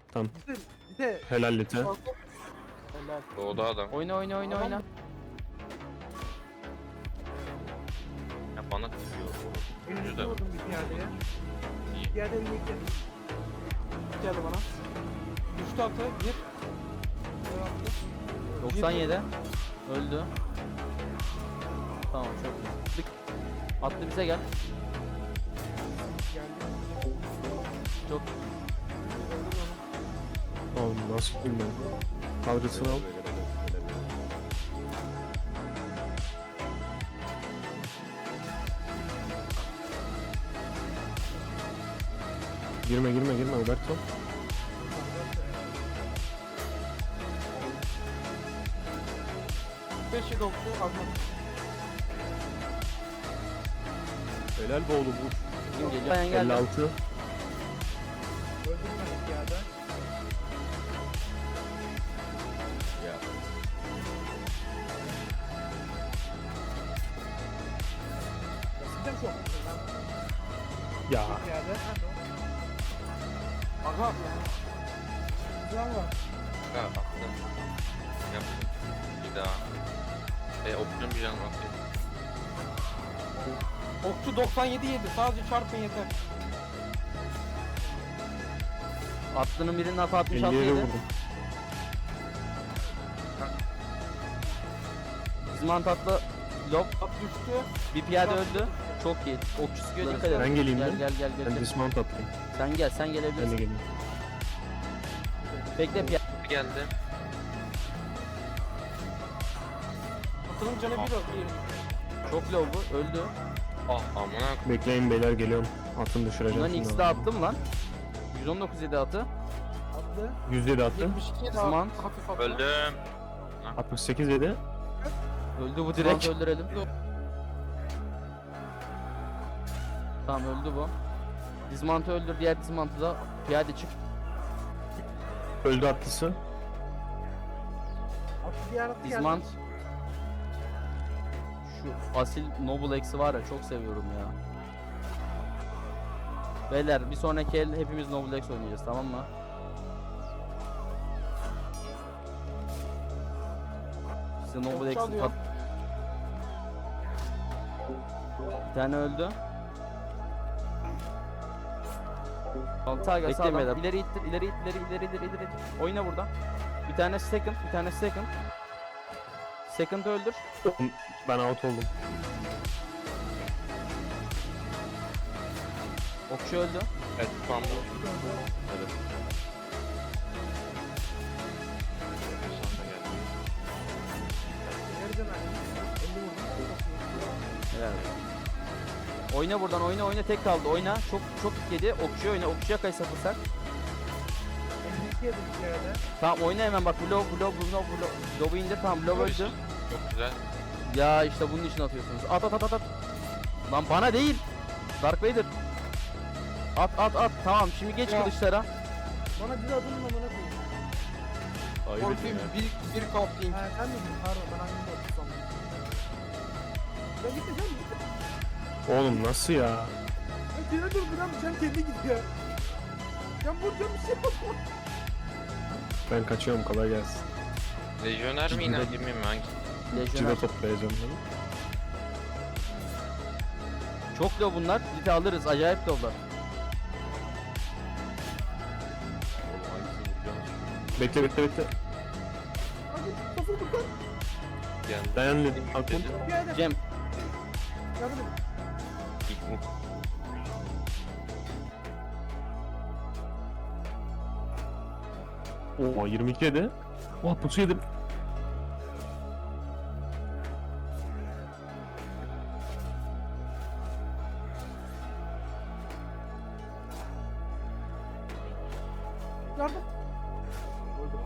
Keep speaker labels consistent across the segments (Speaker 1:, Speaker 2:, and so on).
Speaker 1: Tamam.
Speaker 2: Bir de
Speaker 1: Helal Lite.
Speaker 2: helal.
Speaker 3: Doğdu adam.
Speaker 4: Oyna oyna oyna
Speaker 2: Tamam.
Speaker 4: oyna.
Speaker 3: Ya bana tutuyor. Üçüncü
Speaker 2: Elini
Speaker 3: de.
Speaker 2: vurdum bir piyadeye.
Speaker 3: İyi.
Speaker 2: Piyade elini yıktı.
Speaker 5: Geldi bana. Düştü atı. Gir. Şöyle attı.
Speaker 4: 97. Öldü. Tamam çok iyi. Tık. Attı bize gel.
Speaker 2: Geldi.
Speaker 4: Çok
Speaker 1: Oğlum nasıl bilmiyorum. Kadrısını al. Girme girme girme Alberto.
Speaker 5: Beşi doktu. Azman.
Speaker 1: Helal be oğlum vur.
Speaker 4: kim geliyor? Bayan geldi.
Speaker 1: 56.
Speaker 2: Öldüm ben piyade. Sizden çok.
Speaker 1: Ya.
Speaker 2: Piyade.
Speaker 5: Aga.
Speaker 2: Güzel var.
Speaker 3: Ha attım. Yaptım. Bir daha. Opsiyon bir canım atayım.
Speaker 5: Okçu 97 yedi. Sadece çarpın yeter.
Speaker 4: Attığının birinin atı 66
Speaker 1: 57
Speaker 4: yedi.
Speaker 1: vurdum.
Speaker 4: Zimant atlı lob.
Speaker 5: At düştü.
Speaker 4: Bir piyade öldü. Çok iyi. Okçu sıkıyor dikkat edin.
Speaker 1: Ben geleyim
Speaker 4: Gel
Speaker 1: mi?
Speaker 4: gel gel
Speaker 1: Ben
Speaker 4: gel.
Speaker 1: dismount atlayayım.
Speaker 4: Sen gel sen
Speaker 1: Ben de
Speaker 4: gelebilirsin.
Speaker 1: geleyim.
Speaker 4: Bekle piyade.
Speaker 3: Geldi.
Speaker 5: Atının canı bir bir.
Speaker 4: Çok low bu. Öldü.
Speaker 3: Ah amına.
Speaker 1: Bekleyin beyler geliyorum. Atın düşüreceğim.
Speaker 4: Bunların
Speaker 1: şimdi
Speaker 4: ikisi de
Speaker 1: abi.
Speaker 4: attım lan. 119 yedi atı.
Speaker 2: Attı.
Speaker 1: 107 attı.
Speaker 5: 72 yedi.
Speaker 4: Zman.
Speaker 5: Hafif atı.
Speaker 3: Öldüm.
Speaker 1: 68 dedi.
Speaker 4: Öldü bu direkt. Öldürelim. Tamam öldü bu. Dizmantı öldür. Diğer dizmantı da piyade çık.
Speaker 1: Öldü atlısı.
Speaker 2: Attı diğer attı geldi.
Speaker 4: Dizmant. Şu asil Noble X'i var ya çok seviyorum ya. Beyler bir sonraki el hepimiz Noble X oynayacağız tamam mı? Size Noble
Speaker 5: Okçu
Speaker 4: X'i
Speaker 5: alıyor.
Speaker 4: tat... Bir tane öldü. Altı aga sağdan. İleri ittir, ileri it, ileri it. Oyna burada. Bir tane second, bir tane second. Second öldür.
Speaker 1: Ben out oldum.
Speaker 4: Okçu öldü.
Speaker 3: Evet spam bu. Evet. Sen de geldin.
Speaker 2: Nereden aldın? 50 vurdum.
Speaker 4: Helal olsun. Oyna buradan oyna tek kaldı oyna çok yedi okçuya oyna okçuya kay sapırsak
Speaker 2: 52 yedim piyade.
Speaker 4: tamam oyna hemen bak blow indir tamam blow öldü
Speaker 3: Çok güzel.
Speaker 4: ya işte bunun için atıyorsunuz at lan bana değil Dark Vader at tamam şimdi geç
Speaker 5: Ya.
Speaker 4: kılıçlara
Speaker 2: Bana bir adımın amına koyayım.
Speaker 5: Korkayım. Bir kaplayayım.
Speaker 2: Ha sen miydin? Pardon ben hangini de otursam. Ya git de canım git.
Speaker 1: Oğlum nasıl ya?
Speaker 2: Ya seni durduran can kendi gidiyor. Can vuracağım bir şey yok.
Speaker 1: Ben kaçıyorum kolay gelsin.
Speaker 3: Lejyoner mi yine değil mi hangi?
Speaker 4: Lejyoner
Speaker 1: Cide toplayacağım ben.
Speaker 4: çok low bunlar bir de alırız acayip low'lar
Speaker 1: Bekle.
Speaker 2: Hadi kafamı kan.
Speaker 3: Geldi.
Speaker 1: Dayan dedim. Akun.
Speaker 2: Piyade.
Speaker 4: Cem
Speaker 2: Yardım edin.
Speaker 3: İlk mut.
Speaker 1: Oo 22 yedi. Oh pusu yedim.
Speaker 2: Yardım. Öldüm.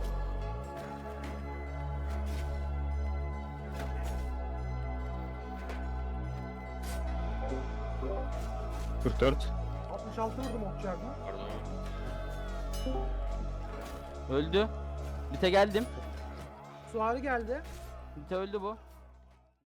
Speaker 1: Dur 4.
Speaker 2: 66 vurdum okçuya.
Speaker 3: Pardon.
Speaker 4: öldü Lite geldim
Speaker 2: Suari geldi.
Speaker 4: Lite öldü bu